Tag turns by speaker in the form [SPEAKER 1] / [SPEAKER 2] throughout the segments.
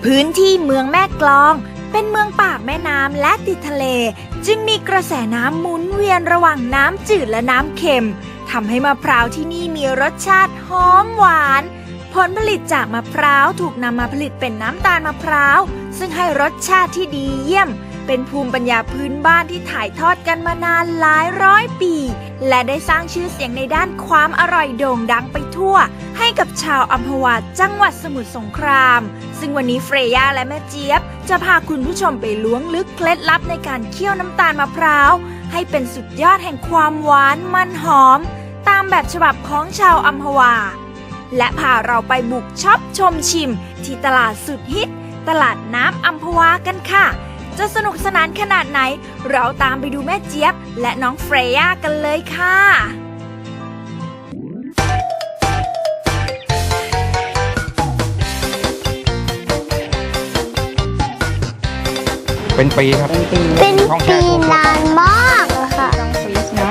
[SPEAKER 1] พื้นที่เมืองแม่กลองเป็นเมืองปากแม่น้ำและติดทะเลจึงมีกระแสน้ำหมุนเวียนระหว่างน้ำจืดและน้ำเค็มทำให้มะพร้าวที่นี่มีรสชาติหอมหวานผลผลิตจากมะพร้าวถูกนำมาผลิตเป็นน้ำตาลมะพร้าวซึ่งให้รสชาติที่ดีเยี่ยมเป็นภูมิปัญญาพื้นบ้านที่ถ่ายทอดกันมานานหลายร้อยปีและได้สร้างชื่อเสียงในด้านความอร่อยโด่งดังไปทั่วให้กับชาวอัมพวาจังหวัดสมุทรสงครามซึ่งวันนี้เฟรย่าและแม่เจี๊ยบจะพาคุณผู้ชมไปล้วงลึกเคล็ดลับในการเคี่ยวน้ำตาลมะพร้าวให้เป็นสุดยอดแห่งความหวานมันหอมตามแบบฉบับของชาวอัมพวาและพาเราไปบุกช็อปชมชิมที่ตลาดสุดฮิตตลาดน้ำอัมพวากันค่ะจะสนุกสนานขนาดไหนเราตามไปดูแม่เจี๊ยบและน้องเฟรย่ากันเลยค่ะ
[SPEAKER 2] เป็นปีครับ
[SPEAKER 3] เป็นปีนานมากอะค่ะ
[SPEAKER 2] ต้องฟรีซนะ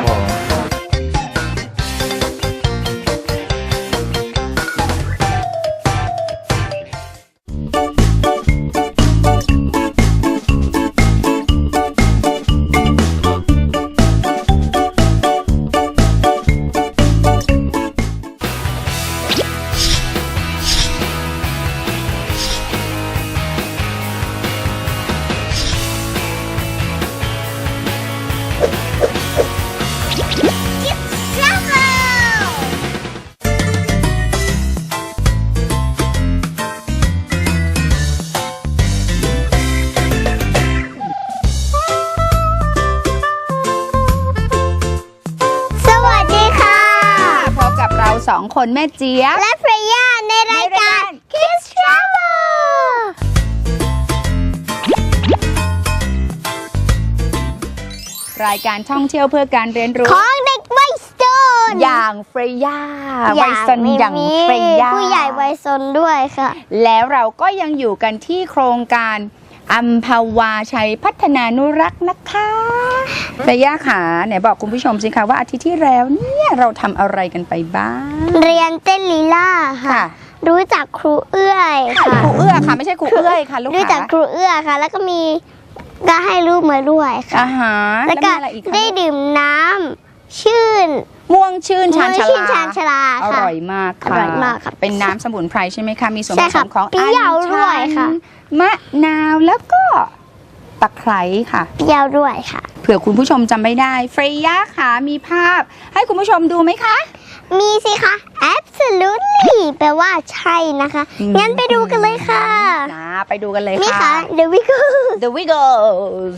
[SPEAKER 4] สองคนแม่เจี๊ยบ
[SPEAKER 3] และเฟรย่าในรายการ Kids Travel
[SPEAKER 4] รายการท่องเที่ยวเพื่อการเรียนรู้
[SPEAKER 3] ของเด็กวัยซน
[SPEAKER 4] อย่างเฟรย่าวัยซนอย่างเฟรย่า
[SPEAKER 3] ผู้ใหญ่วัยซนด้วยค่ะ
[SPEAKER 4] แล้วเราก็ยังอยู่กันที่โครงการอัมพวาชัยพัฒนานุรักษ์นะคะเฟรย่าขาไหนบอกคุณผู้ชมสิคะว่าอาทิตย์ที่แล้วเนี่ยเราทำอะไรกันไปบ้าง
[SPEAKER 3] เรียนเต้นลีลาค่ะรู้จักครูเอื้อยค่ะ
[SPEAKER 4] ครูเอื้อค่ะไม่ใช่ครูเอื้อยค่ะลูก
[SPEAKER 3] รู้จักครูเอื้อค่ะแล้วก็มีก็ให้รูปมาด้วยค่ะแล้วก็ได้ดื่มน้ำชื่น
[SPEAKER 4] ม่วงชื่นชานชลา
[SPEAKER 3] อ
[SPEAKER 4] ร่อยมากค่ะเป็นน้ำสมุนไพรใช่ไหมคะมีส่วนผสมของ
[SPEAKER 3] อัญชัน
[SPEAKER 4] มะนาวแล้วก็ตะไคร้ค่ะ
[SPEAKER 3] เปรี้ยวด้วยค่ะ
[SPEAKER 4] เผื่อคุณผู้ชมจำไม่ได้เฟรย่าค่ะมีภาพให้คุณผู้ชมดูไหมคะ
[SPEAKER 3] มีสิคะ absolutely แปลว่าใช่นะคะงั้นไปดูกันเลยค่ะ
[SPEAKER 4] ไปดูกันเลยค่ะ
[SPEAKER 3] นี่ค่ะ the
[SPEAKER 4] Wiggles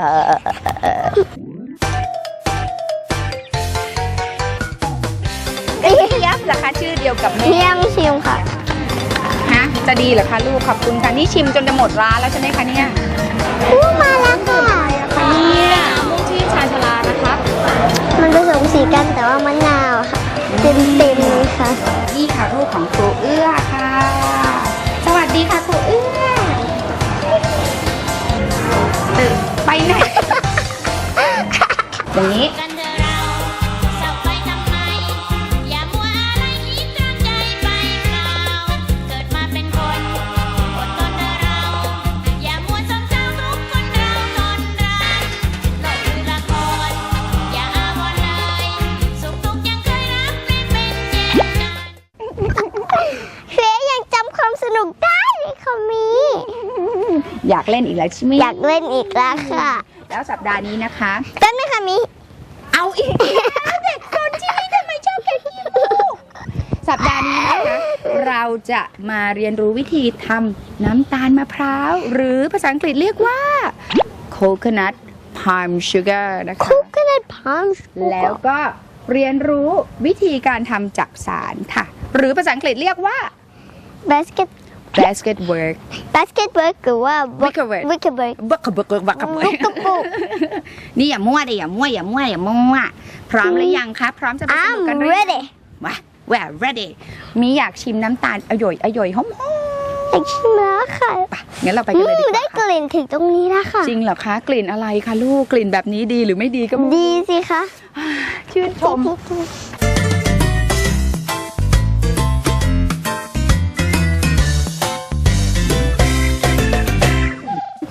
[SPEAKER 4] ยับเหรอคะชื่อเดียวกับแม่
[SPEAKER 3] ยังชิมค่ะ
[SPEAKER 4] ฮะจะดีเหรอคะลูกขอบคุณค่ะนี่ชิมจนจะหมดร้านแล้วใช่ไหมคะเนี่ย
[SPEAKER 3] มาแล้วค่ะ
[SPEAKER 4] เนี่ยม่วงชื่นชานชลานะคะ
[SPEAKER 3] มันผสมสีกันแต่ว่ามะนาวค่ะเต็มเลยค่ะ
[SPEAKER 4] นี่ค่ะรูปของครูเอื้อค่ะสวัสดีค่ะครูเอื้อไปไหนอย่างนี้อยากเล่นอีกแล้วใช่ไหม
[SPEAKER 3] อยากเล่นอีกแล้วค่ะ
[SPEAKER 4] แล้วสัปดาห์นี้นะคะ
[SPEAKER 3] แป๊บนึงค่ะมิ
[SPEAKER 4] เอาอีกเด็กคนที่นี่ทำไมชอบแกล้งลูกสัปดาห์นี้นะคะเราจะมาเรียนรู้วิธีทำน้ำตาลมะพร้าวหรือภาษาอังกฤษเรียกว่า coconut palm sugar นะคะ
[SPEAKER 3] coconut palm sugar
[SPEAKER 4] แล้วก็เรียนรู้วิธีการทำจักสารค่ะหรือภาษาอังกฤษเรียกว่า
[SPEAKER 3] basket
[SPEAKER 4] work
[SPEAKER 3] หรือว่า
[SPEAKER 4] wicker work นี่อย่ามั่วดิอย่ามั่วพร้อมหรือยังคะพร้อมจะไปสนุกกันหรือยัง
[SPEAKER 3] ready
[SPEAKER 4] ว่า ready มีอยากชิมน้ำตาลอร่อยหอม
[SPEAKER 3] อยากชิมแล้วค่ะ
[SPEAKER 4] งั้นเราไปกันเลยดีกว่า
[SPEAKER 3] ได้กลิ่นถึงตรงนี้แล้วค่ะ
[SPEAKER 4] จริงเหรอคะกลิ่นอะไรคะลูกกลิ่นแบบนี้ดีหรือไม่ดีก็
[SPEAKER 3] ดีสิคะ
[SPEAKER 4] ชื่นชม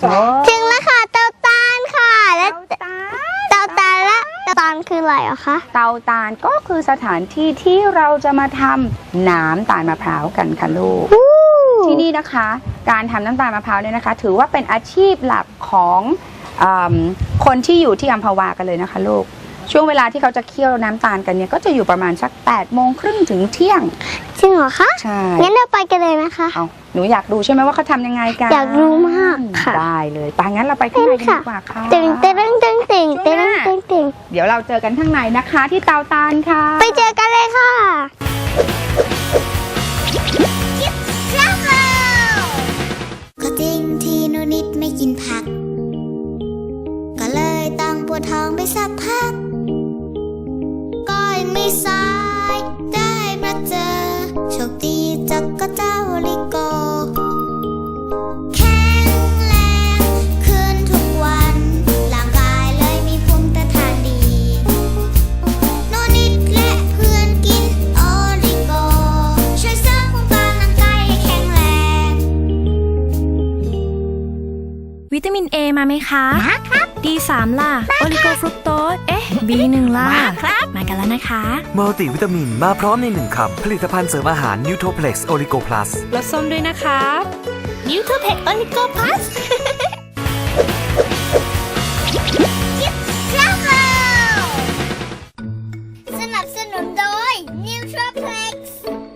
[SPEAKER 3] ถึงแล้วค่ะเตาตาลค่ะและเตาตาลและเตาตาลคืออะไรอะคะ
[SPEAKER 4] เตาตาลก็คือสถานที่ที่เราจะมาทำน้ำตาลมะพร้าวกันค่ะลูก ที่นี่นะคะการทำน้ำตาลมะพร้าวเนี่ยนะคะ ถือว่าเป็นอาชีพหลักของคนที่อยู่ที่อัมพวากันเลยนะคะลูกช่วงเวลาที่เขาจะเคี่ยวน้ำตาลกันเนี่ยก็จะอยู่ประมาณสัก8:30ถึงเที่ยง
[SPEAKER 3] จริงเหรอคะ
[SPEAKER 4] ใช่
[SPEAKER 3] งั้นเราไปกันเลยนะคะ
[SPEAKER 4] เอาหนูอยากดูใช่ไหมว่าเขาทำยังไงกัน
[SPEAKER 3] อยากรู้มากค่ะ
[SPEAKER 4] ได้เลยไปงั้นเราไปข้างในกันดีกว่าค่ะ
[SPEAKER 3] ตึงตึงตึงตึงตึงตึงตึง
[SPEAKER 4] เดี๋ยวเราเจอกันข้างในนะคะที่เตาตาลค่ะ
[SPEAKER 3] ไปเจอกันเลยค่ะก็จริงที่หนูนิดไม่กินผักก็เลยต้องปวดท้องไปสักพักก็ยังไม่สายได้มาเจอโชคดีจักก็เจ้าลิโกแข็งแรงขึ้นทุกวันร่างกายเลยมีภูมิต้านทานดีโนนิดและเพื่อนกินโอลิโกช่วยเสริมภูมิต้านร่างกายให้แข็งแรง
[SPEAKER 1] วิตามิน A มาไหมคะมาครับ D3 ล่ะ โอลิโกฟรุกโตส B1 ล่ะ มาครับ มากันแล้วนะคะ
[SPEAKER 2] มัลติวิตามินมาพร้อมในหนึ่งคำผลิตภัณฑ์เสริมอาหารนิวโทเพล็กซ์โอลิโกพลัส
[SPEAKER 1] รสส้มด้วยนะคะ
[SPEAKER 3] นิวโทเพกโอลิโกพลัสสนับสนุนโดยนิวโทเพล็กซ์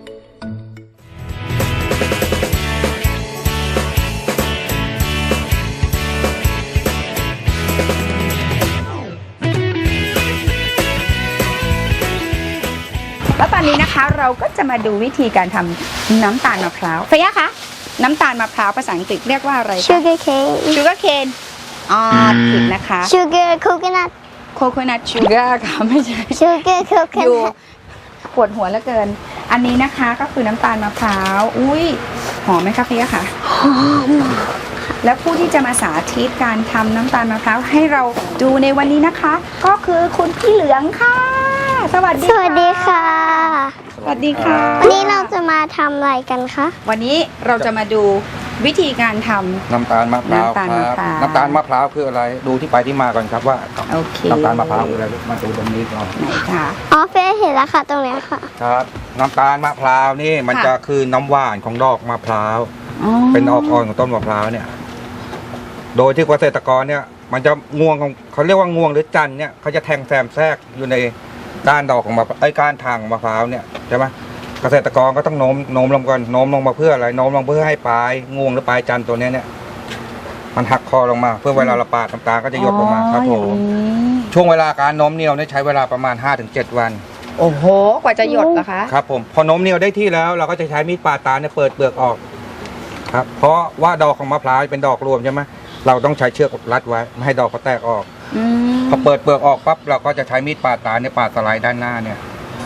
[SPEAKER 4] แล้วตอนนี้นะคะเราก็จะมาดูวิธีการทำน้ำตาลมะพร้าวเฟียคะน้ำตาลมะพร้าวภาษาอังกฤษเรียกว่าอะไรคะ
[SPEAKER 3] sugar cane
[SPEAKER 4] sugar cane ผิดนะคะ
[SPEAKER 3] sugar coconut
[SPEAKER 4] coconut sugar ค่ะไม่ใช่
[SPEAKER 3] sugar
[SPEAKER 4] อยู่
[SPEAKER 3] coconut
[SPEAKER 4] ปวดหัวเหลือเกิน อันนี้นะคะก็คือน้ำตาลมะพร้าวอุ้ยหอมไหมคะเฟียค่ะหอมแล้วผู้ที่จะมาสาธิตการทำน้ำตาลมะพร้าวให้เราดูในวันนี้นะคะ ก็คือคุณพี่เหลืองค่ะ สวัสดี
[SPEAKER 3] สวัสดีค่ะ
[SPEAKER 4] สวัสดีค่ะ
[SPEAKER 3] วันนี้เราจะมาทำอะไรกันคะ
[SPEAKER 4] วันนี้เราจะมาดูวิธีการทำ
[SPEAKER 5] น้ำตาลมะพร้าว
[SPEAKER 4] น้ำตาล
[SPEAKER 5] ค
[SPEAKER 4] มะ
[SPEAKER 5] รับ
[SPEAKER 4] พร้าว
[SPEAKER 5] น้ำตาลมะพร้าวคืออะไร ดูที่ไปที่มาก่อนครับว่า
[SPEAKER 4] โอเค
[SPEAKER 5] น้ำตาลมะพร้าวคืออะไรมาดูตรงนี้ก่อน
[SPEAKER 4] ไหนค่ะ
[SPEAKER 3] อ๋อเฟยเห็นแล้วค่ะตรงเนี้ยค่ะ
[SPEAKER 5] ครับ น้ำตาลมะพร้าวนี่มัน
[SPEAKER 4] ค่ะ
[SPEAKER 5] จะคือน้ำหวานของดอกมะพร้าว
[SPEAKER 4] อ๋อ
[SPEAKER 5] เป็นดอกอ่อนของต้นมะพร้าวเนี่ย โดยที่เกษตรกรเนี่ย มันจะงวงของเขาเรียกว่างวงหรือจันทร์เนี่ยเขาจะแทงแซมแทรกอยู่ในก้านดอกของมะก้านทางของมะพร้าวเนี่ยใช่ไหมเกษตรกรก็ต้องโน้มลงก่อนโน้มลงมาเพื่ออะไรโน้มลงเพื่อให้ปลายงวงหรือปลายจันทร์ตัวเนี้ยเนี่ยมันหักคอลงมาเพื่อเวลาเราปาดน้ำตาลก็จะหยดลงมาครับผม
[SPEAKER 4] อย่างนี้
[SPEAKER 5] ช่วงเวลาการโน้มเนียวเนี่ยใช้เวลาประมาณ 5-7 วัน
[SPEAKER 4] โอ้โห กว่าจะหยดเหรอคะ
[SPEAKER 5] ครับผมพอโน้มเนียวได้ที่แล้วเราก็จะใช้มีดปาดตาลเนี่ยเปิดเปลือกออกครับเพราะว่าดอกของมะพร้าวเป็นดอกรวมใช่ไหมเราต้องใช้เชือกรัดไว้ไม่ให้ดอกเขาแตกออก
[SPEAKER 4] อืม
[SPEAKER 5] พอเปิดเปลือกออกปั๊บเราก็จะใช้มีดปาดตาลเนี่ยปาดสไลด์ด้านหน้าเนี่ย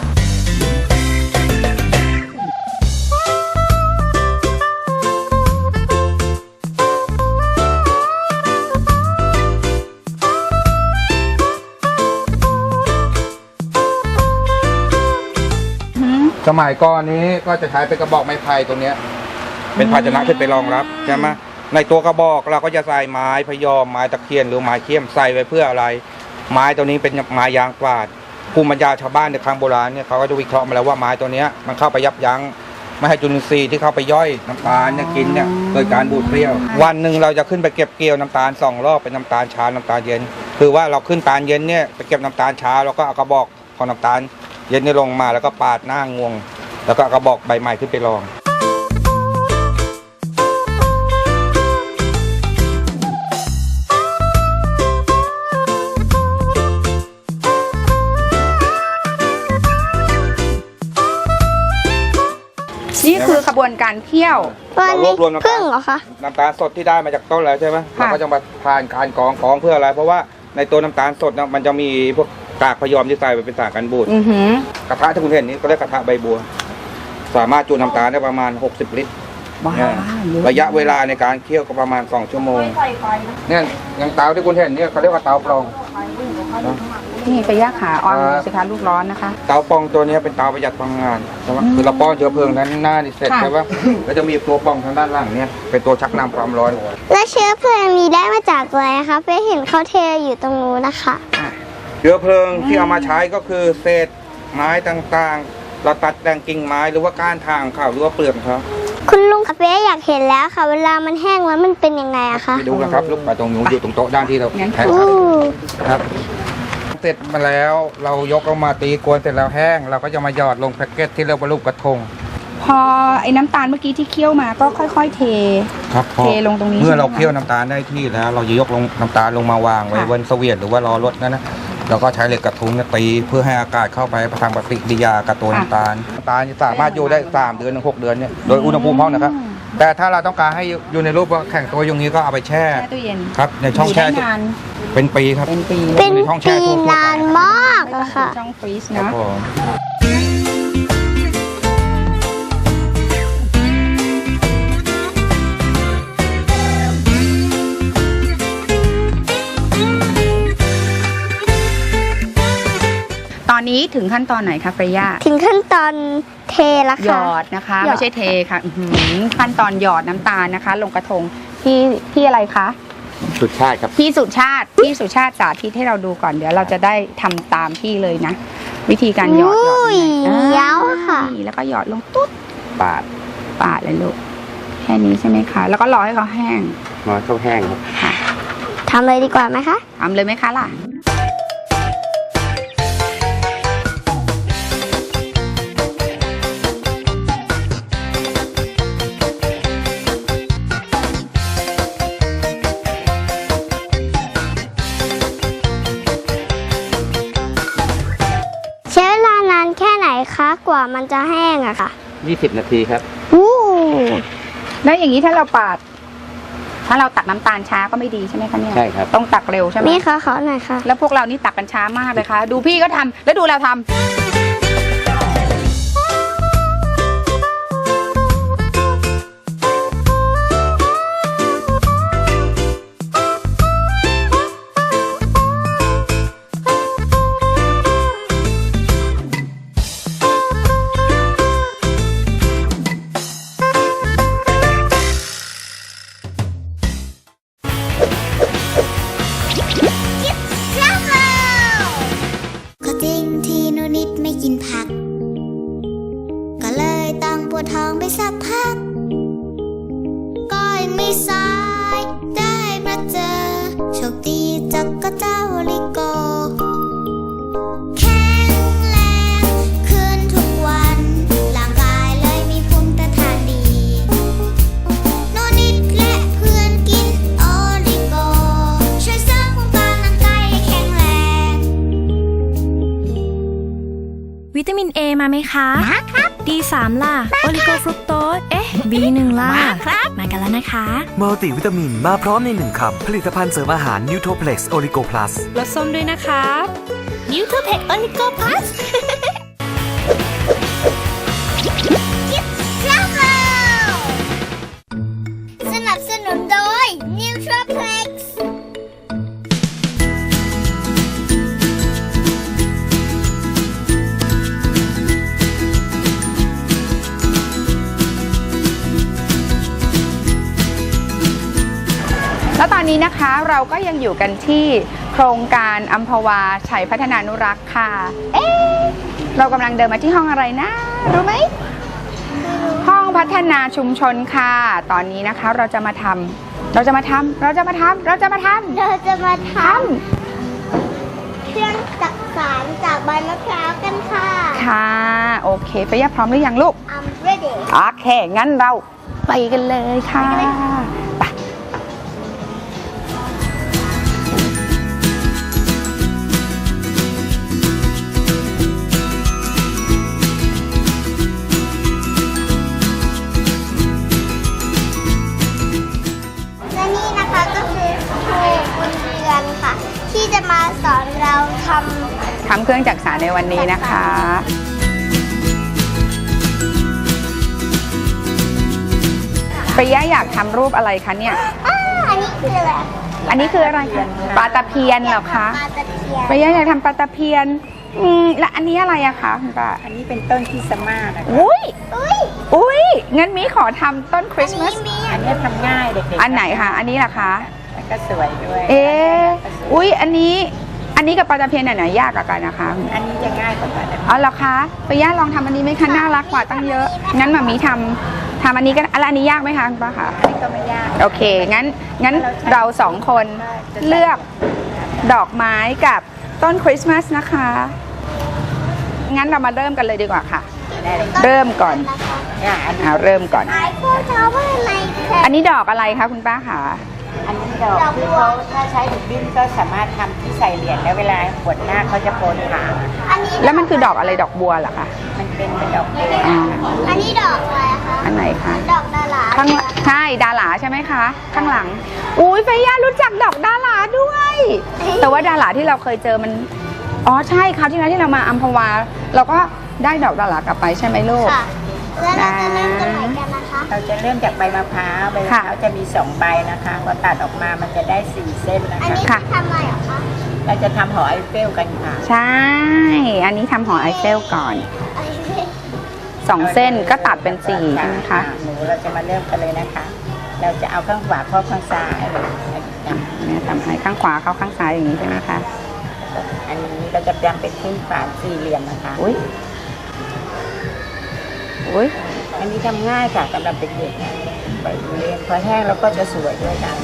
[SPEAKER 5] สมัยก่อนนี้ก็จะใช้เป็นกระบอกไม้ไผ่ตัวเนี้ยเป็นภาชนะขึ้นไปรองรับใช่ไหมในตัวกระบอกเราก็จะใส่ไม้พยอมไม้ตะเคียนหรือไม้เขี้ยมใส่ไว้เพื่ออะไร ไม้ตัวนี้เป็นไม้ยางกวาดภูมิปัญญาชาวบ้านในครั้งโบราณเนี่ยเขาก็จะวิเคราะห์มาแล้วว่าไม้ตัวเนี้ยมันเข้าไปยับยั้งไม่ให้จุลินทรีย์ที่เข้าไปย่อยน้ำตาลเนี่ยกินเนี่ยเกิดการบูดเปรี้ยววันหนึ่งเราจะขึ้นไปเก็บเกี่ยวน้ำตาล2 รอบเป็นน้ำตาลเช้าน้ำตาลเย็นคือว่าเราขึ้นตาลเย็นเนี่ยไปเก็บน้ำตาลเช้าแล้วก็เอากระบอกของน้ำตาลเย็นนี่ลงมาแล้วก็ปาดหน้างวง แล้วก็เอากระบอกใบใหม่ขึ้นไปรอง
[SPEAKER 4] นี่คือขบวนการเคี่ยว
[SPEAKER 3] วันนี้
[SPEAKER 5] เรารวบรวมน้ำตาล
[SPEAKER 3] พึ่งเหรอคะ
[SPEAKER 5] น้ำตาลสดที่ได้มาจากต้นแล้วใช่ไหม
[SPEAKER 4] ค่ะ
[SPEAKER 5] เราก็จะมาผ่านการกรองเพื่ออะไร เพราะว่าในตัวน้ำตาลสดนะมันจะมีพวกกากพยอมที่ใส่ไปเป็นสารกันบูด
[SPEAKER 4] อือหือก
[SPEAKER 5] ระทะที่คุณเห็นนี้ก็เรียกกระทะใบบัว สามารถจุน้ำตาลได้ประมาณ60 ลิตร
[SPEAKER 4] ว้า
[SPEAKER 5] เนี่ย
[SPEAKER 4] ว
[SPEAKER 5] ระยะเวลาในการเคี่ยวก็ประมาณ2 ชั่วโมงเนี่ยอย่างเตาที่คุณเห็นเนี่ยเขาเรียกว่าเตาปรองนะ
[SPEAKER 4] นี่ไปย่าขาออนดูสิคะลูกร้อนนะคะ
[SPEAKER 5] เตาปองตัวนี้เป็นเตาประหยัดพลังงานใช่ไหมคือเราป้อนเชื้อเพลิงด้านหน้านี่เสร็จ
[SPEAKER 4] ค่ะ
[SPEAKER 5] ใช่ปะแล้วจะมีตัวปองทางด้านหลังเนี่ยเป็นตัวชักนำความร้อน
[SPEAKER 3] แล้วเชื้อเพลิงนี้ได้มาจากอะไรคะเฟยเห็นเขาเทอยู่ตรงนู้นนะคะ
[SPEAKER 5] เชื้อเพลิงที่เอามาใช้ก็คือเศษไม้ต่างๆ เราตัดแต่งกิ่งไม้หรือว่าก้านทางเขาหรือว่าเปลือกเขา
[SPEAKER 3] คุณลุงเฟยอยากเห็นแล้วค่ะ เวลามันแห้งแล้วมันเป็นยังไงอะคะ
[SPEAKER 5] ไปดูนะครับลูกไปตรงนู้นอยู่ตรงโต๊ะด้านที่เรา
[SPEAKER 4] งั้น
[SPEAKER 5] แพ็ค
[SPEAKER 3] อู้
[SPEAKER 5] ครับเสร็จมาแล้วเรายกออกมาตีกวนเสร็จแล้วแห้ง เราก็จะมาหยอดลงแพ็กเกจที่เรียกว่ารูปกระทง
[SPEAKER 4] พอไอ้น้ำตาลเมื่อกี้ที่เคี่ยวมาก็ค่อยๆเท
[SPEAKER 5] ครับพอ
[SPEAKER 4] เทลงตรงนี้
[SPEAKER 5] เมื่อเรา
[SPEAKER 4] ใช่ไหมคะ
[SPEAKER 5] เคี่ยวน้ำตาลได้ที่แล้ว เราจะยกลงน้ำตาลลงมาวางไว้
[SPEAKER 4] ค่ะ
[SPEAKER 5] บนเสวียนหรือว่ารอรถนั่นนะเราก็ใช้เหล็กกระทุ้งเนี่ยตีเพื่อให้อากาศเข้าไปทางปฏิกิริยากับตัวน้ำตาลน้ำตาลสามารถอยู่ได้3 เดือนถึง6 เดือนเนี่ยโดยอุณหภูมิห้องนะครับ แต่ถ้าเราต้องการให้อยู่ในรูปว่าแข็งตัวอย่างนี้ก็เอาไปแช่
[SPEAKER 4] แช่ตู้เย็น
[SPEAKER 5] ครับในช่องแช่
[SPEAKER 4] ยู่ได้นาน
[SPEAKER 5] เป็นปีครับ
[SPEAKER 4] เป็นปี
[SPEAKER 3] เป็น
[SPEAKER 5] ในช่องแช่
[SPEAKER 3] ปี
[SPEAKER 5] ทั่วๆไป
[SPEAKER 3] นานมาก
[SPEAKER 4] ไม่ต้อง
[SPEAKER 3] อะค่ะ
[SPEAKER 4] ช่องฟรีซ
[SPEAKER 5] ครับ
[SPEAKER 4] นะ
[SPEAKER 5] ผม
[SPEAKER 4] ตอนนี้ถึงขั้นตอนไหนคะเฟรย่า
[SPEAKER 3] ถึงขั้นตอนเทแล้ว
[SPEAKER 4] หย
[SPEAKER 3] ค่ะ
[SPEAKER 4] อดนะคะ
[SPEAKER 3] หยอด
[SPEAKER 4] ไม่ใช่เทค่ะอื้อหือขั้นตอนหยอดน้ำตาลนะคะ ลงกระทงที่อะไรคะ
[SPEAKER 5] สุดชาติครับ
[SPEAKER 4] พี่สุชาติสาธิตให้เราดูก่อนเดี๋ยวเราจะได้ทำตามพี่เลยนะ วิธีการหยอด
[SPEAKER 3] อุ้ย
[SPEAKER 4] ยังไง
[SPEAKER 3] เย้าค่ะ
[SPEAKER 4] นี่แล้วก็หยอดลงตุ๊ด
[SPEAKER 5] ปาด
[SPEAKER 4] ปาดเลยลูกแค่นี้ใช่ไหมคะ แล้วก็รอให้เขาแห้ง
[SPEAKER 5] มาเข้าแห้งครับ
[SPEAKER 3] ทำเลยดีกว่าไหมคะ
[SPEAKER 4] ทำเลยไหมคะล่ะ
[SPEAKER 3] ใช้เวลานานแค่ไหนคะกว่ามันจะแห้งอะค่ะ
[SPEAKER 5] 20 นาทีครับ
[SPEAKER 3] อู้
[SPEAKER 4] แล้วอย่างนี้ถ้าเราตักน้ำตาลช้าก็ไม่ดีใช่ไหมคะเนี่ย
[SPEAKER 5] ใช่ครับ
[SPEAKER 4] ต้องตักเร็วใช่ไหม
[SPEAKER 3] นี่ค่ะขอหน่อยค่ะ
[SPEAKER 4] แล้วพวกเรานี่ตักกันช้ามากเลยค่ะ ดูพี่ก็ทำแล้วดูเราทำ
[SPEAKER 3] ก็จริงที่หนูนิดไม่กินผัก ก็เลยต้องปวดท้องไปสักพัก ก็ยังไม่สายได้มาเจอโชคดีจากก็เจ้าลิโก แข็งแรงขึ้นทุกวันร่างกายเลยมีภูมิต้านทานดีหนูนิดและเพื่อนกินโอลิโก ช่วยเสริมภูมิต้านร่างกายให้แข็งแรง
[SPEAKER 1] วิตามิน A มาไหมคะ มาครับ D3 ล่ะ โอลิโกฟรุกโตส B1 ล่ะ มาครับ มากันแล้วนะคะ
[SPEAKER 2] มัลติวิตามินมาพร้อมใน1คำผลิตภัณฑ์เสริมอาหารนิวโทเพล็กซ์โอลิโกพลัส
[SPEAKER 1] รสส้มด้วยนะครับ
[SPEAKER 3] นิวเทอร์เพกโอลิโกพลัสสนับสนุนโดยนิวเทอร์เพล็กซ์
[SPEAKER 4] แล้วตอนนี้นะคะเราก็ยังอยู่กันที่โครงการอัมพวาชัยพัฒนานุรักษ์ค่ะ เรากำลังเดินมาที่ห้องอะไรนะ รู้ไหม ห้องพัฒนาชุมชนค่ะ ตอนนี้นะคะเราจะมาทำเครื่องจักสานจากใบมะพร้าวกันค่ะ ค่ะ โอเคไปย่าพร้อมหรือยังลูก
[SPEAKER 3] I'm ready
[SPEAKER 4] โอเค งั้นเราไปกันเลยค่ะไป
[SPEAKER 3] และนี่นะคะก็คือครูบุญเรือนค่ะ ที่จะมาสอนเราทำ
[SPEAKER 4] เครื่องจักสานในวันนี้นะคะไปย่าอยากทำรูปอะไรคะเนี่ย
[SPEAKER 3] อันนี้คืออะไร
[SPEAKER 4] อันนี้คืออะไรคะปลาตะเพียนเหรอคะ
[SPEAKER 3] ปลาตะเพียน
[SPEAKER 4] ไปย่าอยากทำปลาตะเพียนและอันนี้อะไรอะคะคุณป้า
[SPEAKER 6] อันนี้เป็นต้นคริสต์มาสนะคะ
[SPEAKER 4] อุ้ย
[SPEAKER 3] อุ้ย
[SPEAKER 4] อุ้ยงั้นมีขอทำต้นคริสต์มาส
[SPEAKER 6] อันนี้ทำง่ายเด็กๆ
[SPEAKER 4] อันไหนคะอันนี้ล่ะคะ
[SPEAKER 6] แล้วก็สวยด้วย
[SPEAKER 4] เอ๊ะอุ้ยอันนี้กับปลาตะเพียนไหนยากกว่ากันนะคะ
[SPEAKER 6] อันนี้จะง่ายกว่ากันนะคะ
[SPEAKER 4] อ๋อเหรอคะไปย่าลองทำอันนี้ไหมคะน่ารักกว่าตั้งเยอะงั้นมามีทำอันนี้กันอันนี้ยากไหมคะคุณป้าคะ
[SPEAKER 6] อันนี้ก็ไม่ยาก
[SPEAKER 4] โอเคงั้นเราสองคนเลือกดอกไม้กับต้นคริสต์มาสนะคะงั้นเรามาเริ่มกันเลยดีกว่าค่ะ
[SPEAKER 6] ได้เลย
[SPEAKER 4] เริ่มก่อน
[SPEAKER 6] อันนี้
[SPEAKER 4] เอาเริ่มก่อน
[SPEAKER 3] ไอโฟนทาวเวอร์ไลท์
[SPEAKER 4] อันนี้ดอกอะไรคะคุณป้าคะ
[SPEAKER 6] อันนี้ดอกที่เขาถ้าใช้ถุงบิ้นก็สามารถทำที่ใส่เหรียญแล้วเวลาบวชหน้าเขาจะโปนขา
[SPEAKER 3] อันนี้
[SPEAKER 4] แล้วมันคือดอกอะไรดอกบัวเหรอคะ
[SPEAKER 6] มันเป็นดอกบัว
[SPEAKER 4] อ๋อ
[SPEAKER 3] อันนี้ดอกอะไรคะ
[SPEAKER 4] อันไหนคะ
[SPEAKER 3] ดอกดารา
[SPEAKER 4] ข้างใช่ดาราใช่ไหมคะ ข้างหลังอุ้ยเฟย่ารู้จักดอกดาราด้วย แต่ว่าดาราที่เราเคยเจอมันอ๋อใช่คราวที่แล้วที่เรามาอัมพวาเราก็ได้ดอกดารากลับไปใช่ไหมลูก
[SPEAKER 3] ค่ะแล้วเราจะเริ่มกันไหนกันนะคะ
[SPEAKER 6] เราจะเริ่มจากใบมะพร้าวใบมะพร้าวจะมี2ใบนะคะพอตัดออกมามันจะได้4เส้นนะ
[SPEAKER 3] อัน
[SPEAKER 6] คะ
[SPEAKER 3] นี้
[SPEAKER 4] ค่ะ
[SPEAKER 3] ทำอะไรเหรอคะ
[SPEAKER 6] เราจะทำหอไอเฟลกันค่ะ
[SPEAKER 4] ใช่ อันนี้ทำหอไอเฟลก่อน
[SPEAKER 3] อันนี้
[SPEAKER 4] 2 เส้นก็ตัดเป็น4ใช่ไหมคะ
[SPEAKER 6] หนูเราจะมาเริ่มกันเลยนะคะ เราจะเอาข้างขวาครอบข้างซ้าย
[SPEAKER 4] แม่ทำให้ข้างขวาเข้าข้างซ้ายอย่างนี้ใช่ไหมคะ
[SPEAKER 6] อันนี้เราจะทำเป็นขึ้นฝาสี่เหลี่ยมนะคะ
[SPEAKER 4] อุ้ยอุ้ย
[SPEAKER 6] อันนี้ทำง่ายค่ะสำหรับเด็กๆนะไปเรียนพอแห้งแล้วก็จะสวยด้วยค่ะ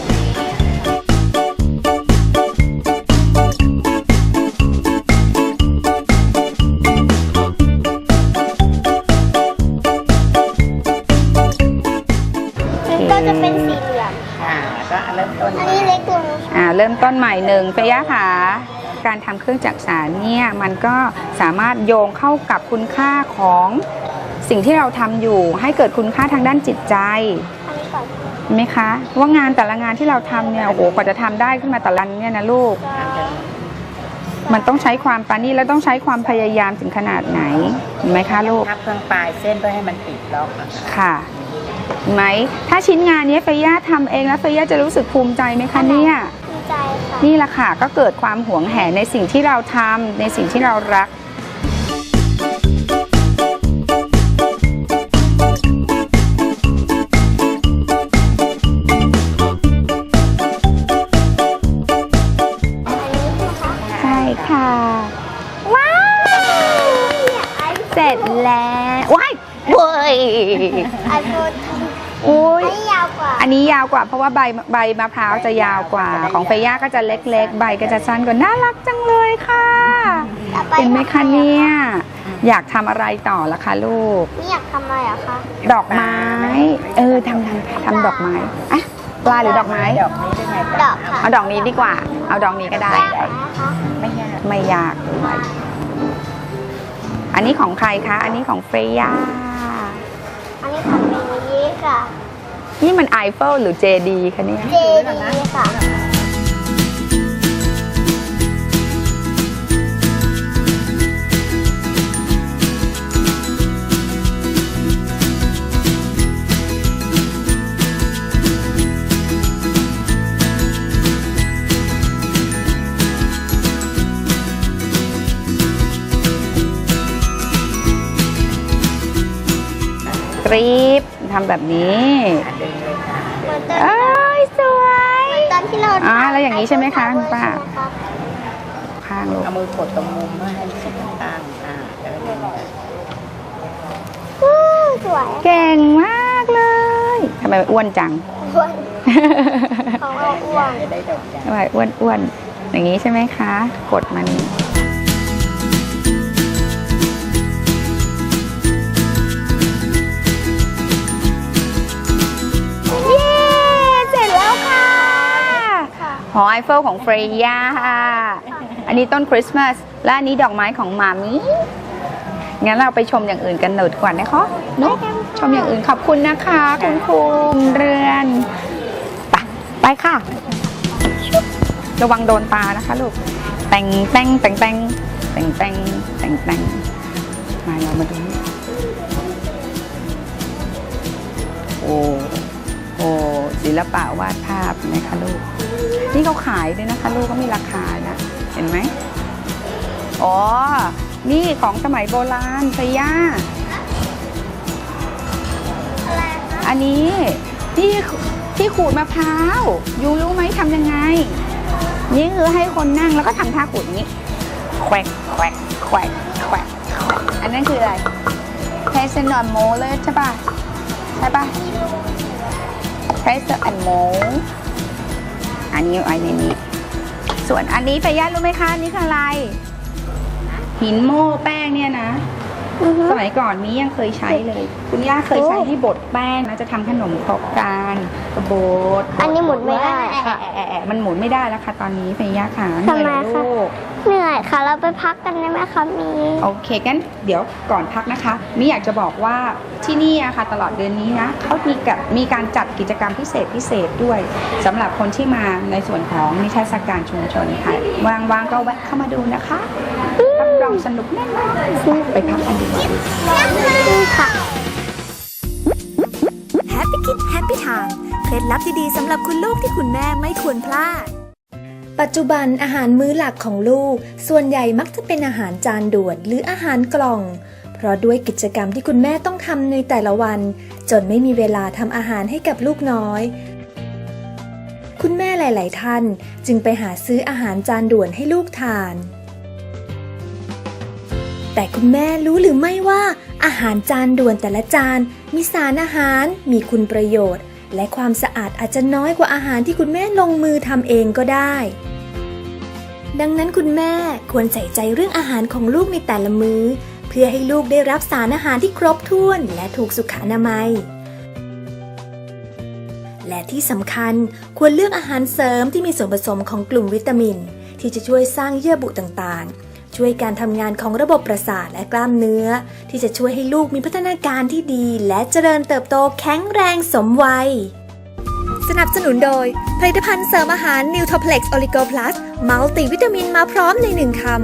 [SPEAKER 3] มันก็จะเป็นสี่เหลี่ยม
[SPEAKER 6] ก็เริ่มต้น
[SPEAKER 3] อันนี้เล็กลง
[SPEAKER 4] เริ่มต้นใหม่หนึ่งเฟย่าค่ะการทำเครื่องจักสานเนี่ยมันก็สามารถโยงเข้ากับคุณค่าของสิ่งที่เราทำอยู่ให้เกิดคุณค่าทางด้านจิตใจ
[SPEAKER 3] อันนี้ก่อน
[SPEAKER 4] เห็นไหมคะว่างานแต่ละงานที่เราทำเนี่ยโอ้โหกว่าจะทำได้ขึ้นมาแต่ละอันเนี่ยนะลูก มันต้องใช้ความปราณีตและต้องใช้ความพยายามถึงขนาดไหนเห็นไหมคะลูก
[SPEAKER 6] ทับเครื่องปลายเส้นเพื่อให้มันติดล็อกนะคะ
[SPEAKER 4] ค่ะเห็นไหมถ้าชิ้นงานนี้เฟย่าทำเองแล้วเฟย่าจะรู้สึกภูมิใจไหมคะเนี่ย
[SPEAKER 3] ภูมิใจค่ะ
[SPEAKER 4] นี่แหละค่ะก็เกิดความหวงแหนในสิ่งที่เราทำในสิ่งที่เรารัก ใช่ค่ะ ว้าว เสร็จแล้วว้ายเว้ย
[SPEAKER 3] ไอโฟน
[SPEAKER 4] อุ้ย
[SPEAKER 3] อันนี้ยาวกว่า
[SPEAKER 4] อันนี้ยาวกว่าเพราะว่าใบมะพร้าวจะยาวกว่า ของเฟย่าก็จะเล็กๆ ใบก็จะสั้นกว่าน่ารักจังเลยค่ะ
[SPEAKER 3] ต่อป
[SPEAKER 4] เห็นไหมคะเนี่ยอยากทำอะไรต่อละคะลูก
[SPEAKER 3] นี่อยากทำอะไรเหรอคะ
[SPEAKER 4] ดอกไม้ทำดอกไม้อะปลาหรือดอกไม้
[SPEAKER 6] ดอกนี้ด้วยไง
[SPEAKER 3] ดอกค่ะ
[SPEAKER 4] เอาดอกนี้ดีกว่า เอาดอกนี้ก็ได้
[SPEAKER 3] ยากไหมคะ
[SPEAKER 6] ไม่ยาก
[SPEAKER 4] ไม่ยากด้วยอันนี้ของใครคะ อันนี้ของเฟย่า
[SPEAKER 3] อันนี้ทำเป็นนี้ค่ะ
[SPEAKER 4] นี่มันไอเฟลหรือเจดีคะเนี่ย
[SPEAKER 3] เจดีค่ะ
[SPEAKER 4] กรีบทำแบบนี้
[SPEAKER 6] ดึงเลยค่ะ
[SPEAKER 3] เหมือนตอน
[SPEAKER 4] เอ้ยสวย
[SPEAKER 3] ตอนที่เรา
[SPEAKER 4] แล้วอย่างนี้ใช่ไหมคะคุณป้า
[SPEAKER 3] ครับ
[SPEAKER 4] ข้างลูก
[SPEAKER 6] เอามือกดตรงมุมเพื่อให้สุดข้างแล้วก็ดึง
[SPEAKER 3] วู้สวย
[SPEAKER 4] เก่งมากเลยทำไมอ้วนจัง
[SPEAKER 3] อ้วนของเราอ้วน
[SPEAKER 6] จะได้ดอกจัน
[SPEAKER 4] ทำไมอ้วนๆอย่างนี้ใช่ไหมคะ กดมัน เย้ เสร็จแล้วค่ะ หอไอเฟลของเฟรย่า อันนี้ต้นคริสต์มาส และอันนี้ดอกไม้ของมามิงั้นเราไปชมอย่างอื่นกันหน่อยดีกว่านะคะเนอะชมอย่างอื่นขอบคุณนะคะ คุณครูเรือน ไปค่ะ ระวังโดนตานะคะลูก แต่งมาเรามาดูนี่โอ้ศิลปะวาดภาพนะคะลูกนี่เขาขายด้วยนะคะ ลูกก็มีราคานะ เห็นไหมอ๋อ นี่ของสมัยโบราณเฟย่าอันนี้ที่ขูดมะพร้าวยูรู้ไหมทำยังไง นี่คือให้คนนั่งแล้วก็ทำท่าขูดอย่างนี้แควกแควกแควกแควกอันนั้นคืออะไรเพรสเนอร์โมเลยใช่ป่ะใช่ป่ะเพรสเนอร์โมอันนี้นี้ส่วนอันนี้ไปย่ารู้ไหมคะนี่คืออะไรหินโม่แป้งเนี่ยนะสมัยก่อนนี้ยังเคยใช้เลยคุณย่าเคยใช้ให้บดแป้งนะจะทำขนมครกกันบด
[SPEAKER 3] อันนี้หมุนไม่ได้
[SPEAKER 4] มันหมุนไม่ได้แล้วค่ะตอนนี้เฟย่าค่ะ
[SPEAKER 3] ทำไมคะ
[SPEAKER 4] ลูก
[SPEAKER 3] เหนื่อยค่ะ เราไปพักกันได้ไหมคะมี
[SPEAKER 4] โอเคงั้นเดี๋ยวก่อนพักนะคะมิอยากจะบอกว่าที่นี่อะค่ะตลอดเดือนนี้นะเขามีการจัดกิจกรรมพิเศษด้วยสำหรับคนที่มาในส่วนของนิทรรศการชุมชนค่ะว่างๆก็แวะเข้ามาดูนะคะรับรองสนุกแน่นอนไปพักกันดีกว่า
[SPEAKER 3] ค่ะ
[SPEAKER 1] Happy Kid Happy Time เคล็ดลับดีๆสำหรับคุณลูกที่คุณแม่ไม่ควรพลาด ปัจจุบันอาหารมื้อหลักของลูกส่วนใหญ่มักจะเป็นอาหารจานด่วนหรืออาหารกล่อง เพราะด้วยกิจกรรมที่คุณแม่ต้องทำในแต่ละวันจนไม่มีเวลาทำอาหารให้กับลูกน้อย คุณแม่หลายๆท่านจึงไปหาซื้ออาหารจานด่วนให้ลูกทาน แต่คุณแม่รู้หรือไม่ว่าอาหารจานด่วนแต่ละจานมีสารอาหารมีคุณประโยชน์และความสะอาดอาจจะน้อยกว่าอาหารที่คุณแม่ลงมือทำเองก็ได้ ดังนั้นคุณแม่ควรใส่ใจเรื่องอาหารของลูกในแต่ละมื้อเพื่อให้ลูกได้รับสารอาหารที่ครบถ้วนและถูกสุขอนามัย และที่สำคัญควรเลือกอาหารเสริมที่มีส่วนผสมของกลุ่มวิตามินที่จะช่วยสร้างเยื่อบุต่างๆช่วยการทำงานของระบบประสาทและกล้ามเนื้อที่จะช่วยให้ลูกมีพัฒนาการที่ดีและเจริญเติบโตแข็งแรงสมวัยสนับสนุนโดยผลิตภัณฑ์เสริมอาหาร Nutoplex Oligo Plus มัลติวิตามินมาพร้อมใน1คำ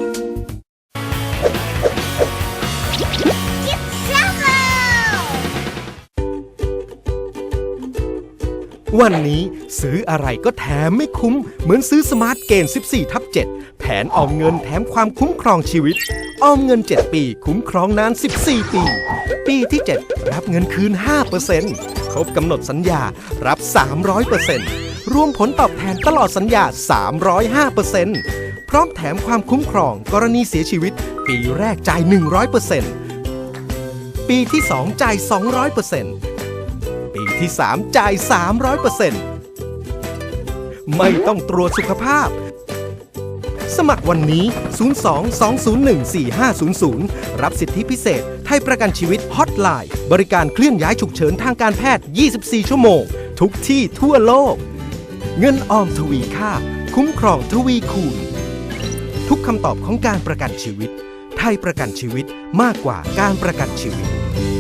[SPEAKER 7] วันนี้ซื้ออะไรก็แถมไม่คุ้มเหมือนซื้อสมาร์ทเกณฑ์ 14/7 แผนออมเงินแถมความคุ้มครองชีวิตออมเงิน 7 ปีคุ้มครองนาน 14 ปี ปีที่ 7 รับเงินคืน 5% ครบกำหนดสัญญารับ 300% รวมผลตอบแทนตลอดสัญญา 305% พร้อมแถมความคุ้มครองกรณีเสียชีวิตปีแรกจ่าย 100% ปีที่ 2 จ่าย 200%ปีที่ 3 จ่าย 300% ไม่ต้องตรวจสุขภาพ สมัครวันนี้ 02-201-4500 รับสิทธิพิเศษไทยประกันชีวิตฮอตไลน์บริการเคลื่อนย้ายฉุกเฉินทางการแพทย์ 24 ชั่วโมง ทุกที่ทั่วโลก เงินออมทวีค่าคุ้มครองทวีคูณ ทุกคำตอบของการประกันชีวิตไทยประกันชีวิตมากกว่าการประกันชีวิต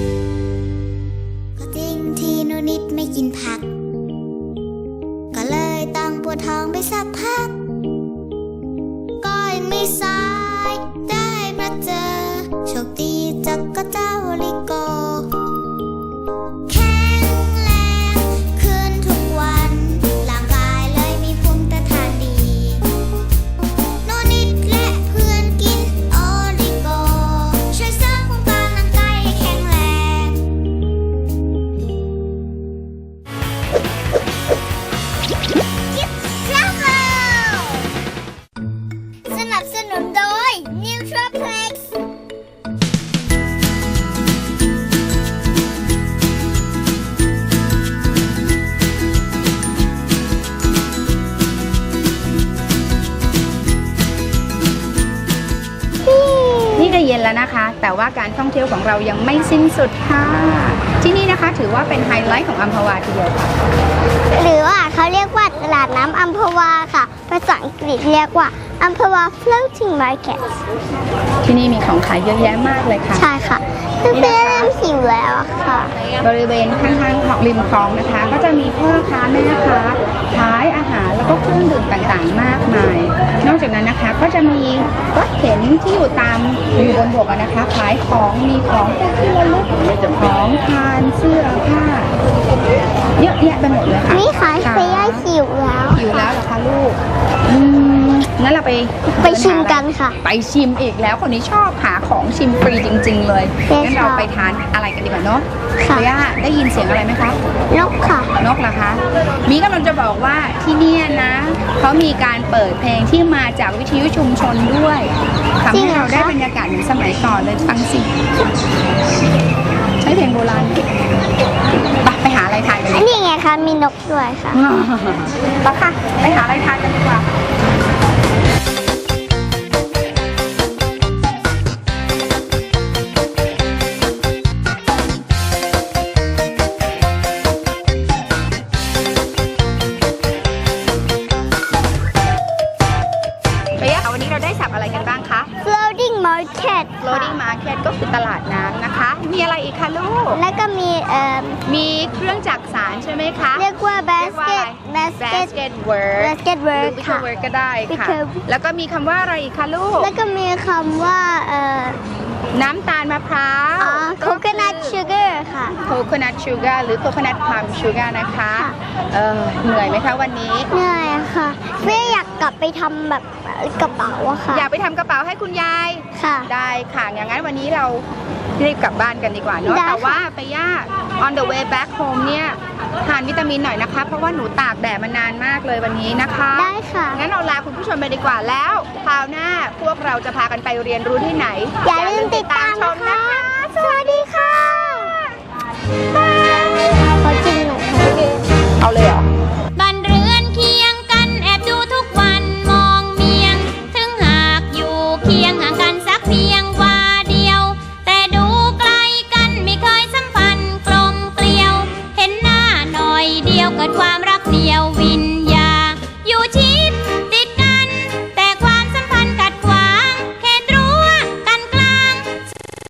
[SPEAKER 3] ก็จริงที่หนูนิดไม่กินผักก็เลยต้องปวดท้องไปสักพักก็ยังไม่สายได้มาเจอโชคดีจากก็เจ้าลิโกแข็งแรงขึ้นทุกวันร่างกายเลยมีภูมิต้านทานดีหนูนิดและเพื่อนกินโอลิโกช่วยเสริมภูมิต้านร่างกายให้แข็งแรง สนับสนุนโดย Nutoplex
[SPEAKER 4] นี่ก็เย็นแล้วนะคะ แต่ว่าการท่องเที่ยวของเรายังไม่สิ้นสุดค่ะ ที่นี่นะคะถือว่าเป็นไฮไลท์ของอัมพวาทีเดียวค่ะ
[SPEAKER 3] หรือว่าเขาเรียกว่าตลาดน้ำอัมพวาค่ะ ภาษาอังกฤษเรียกว่าอัมพวา floating market
[SPEAKER 4] ที่นี่มีของขายเยอะแยะมากเลยค่ะ
[SPEAKER 3] ใช่ค่ะเพื่อนๆหิวแล้วอะค่ะ
[SPEAKER 4] บริเวณข้างๆของริมคลองนะคะ ก็จะมีพ่อค้าแม่ค้าขายอาหารแล้วก็เครื่องดื่มต่างๆมากมาย นอกจากนั้นนะคะก็จะมีรถเข็นที่อยู่บนบกนะคะขายของมีของที่ระลึกของทานเสื้อผ้าเยอะแยะไปหมดเลยค่ะ
[SPEAKER 3] นี่ค่ะเฟย่าหิวแล้ว
[SPEAKER 4] อยู่แล้วเหรอคะ
[SPEAKER 3] ไปชิมกันค่ะ
[SPEAKER 4] ไปชิมอีกแล้วคนนี้ชอบหาของชิมฟรีจริง ๆ เลย
[SPEAKER 3] ใช่
[SPEAKER 4] งั้น
[SPEAKER 3] ค่ะ
[SPEAKER 4] เราไปทานอะไรกันดีกว่าเนาะ
[SPEAKER 3] ค่ะ
[SPEAKER 4] เบย่าได้ยินเสียงอะไรไหมคะ
[SPEAKER 3] นกค่ะ
[SPEAKER 4] นกเหรอคะ มีกำลังจะบอกว่าที่เนี่ยนะเขามีการเปิดเพลงที่มาจากวิทยุชุมชนด้วยทำ
[SPEAKER 3] จริ
[SPEAKER 4] ให้
[SPEAKER 3] งเหรอ
[SPEAKER 4] เราได้
[SPEAKER 3] คะ
[SPEAKER 4] บรรยากาศเหมือนสมัยก่อนเลยฟังสิใช้เพลงโบราณไปหาอะไรทานกันดี
[SPEAKER 3] นี่ไงคะมีนกด้วยค่ะ
[SPEAKER 4] ไปค่ะไปหาอะไรทานกันดีกว่า เบียร์วันนี้เราได้สับอะไรกันบ้างคะ
[SPEAKER 3] floating market
[SPEAKER 4] Loading Market ก็คือตลาดน้ำนะคะ มีอะไรอีกคะลูก
[SPEAKER 3] แล้วก็มี
[SPEAKER 4] มีเครื่องจักสานใช่ไหมคะ
[SPEAKER 3] เรียกว่า
[SPEAKER 4] เรียกว่าอะไร
[SPEAKER 3] basket
[SPEAKER 4] work
[SPEAKER 3] basket
[SPEAKER 4] หรือ
[SPEAKER 3] work
[SPEAKER 4] wicker
[SPEAKER 3] ค่ะ
[SPEAKER 4] work ก็ได้ค่ะ
[SPEAKER 3] wicker
[SPEAKER 4] แล้วก็มีคำว่าอะไรอีกคะลูก
[SPEAKER 3] แล้วก็มีคำว่า
[SPEAKER 4] น้ำตาลมะพร้าว
[SPEAKER 3] coconut sugar ค่ะ
[SPEAKER 4] coconut sugar หรือ coconut palm sugar นะคะ
[SPEAKER 3] ค่ะ
[SPEAKER 4] เหนื่อยไหมคะวันนี้
[SPEAKER 3] เหนื่อยค่ะเฟ่อยากกลับไปทำแบบกระเป๋าอะค่ะ
[SPEAKER 4] อยากไปทำกระเป๋าให้คุณยาย
[SPEAKER 3] ค่ะ
[SPEAKER 4] ได้ค่ะ อย่างนั้นวันนี้เรารีบกลับบ้านกันดีกว่าเนาะ
[SPEAKER 3] ได้ค่ะ
[SPEAKER 4] แต่ว่าไปย่า on the way back home เนี่ยทานวิตามินหน่อยนะคะ เพราะว่าหนูตากแดดมานานมากเลยวันนี้นะคะ
[SPEAKER 3] ได้ค่ะ
[SPEAKER 4] งั้นเราลาคุณผู้ชมไปดีกว่าแล้วคราวหน้าพวกเราจะพากันไปเรียนรู้ที่ไหน
[SPEAKER 3] อย่าลืมติดตาม
[SPEAKER 4] ช
[SPEAKER 3] นะ
[SPEAKER 4] ม
[SPEAKER 3] คะ
[SPEAKER 4] นะคะ
[SPEAKER 3] สวัสดีค่ะ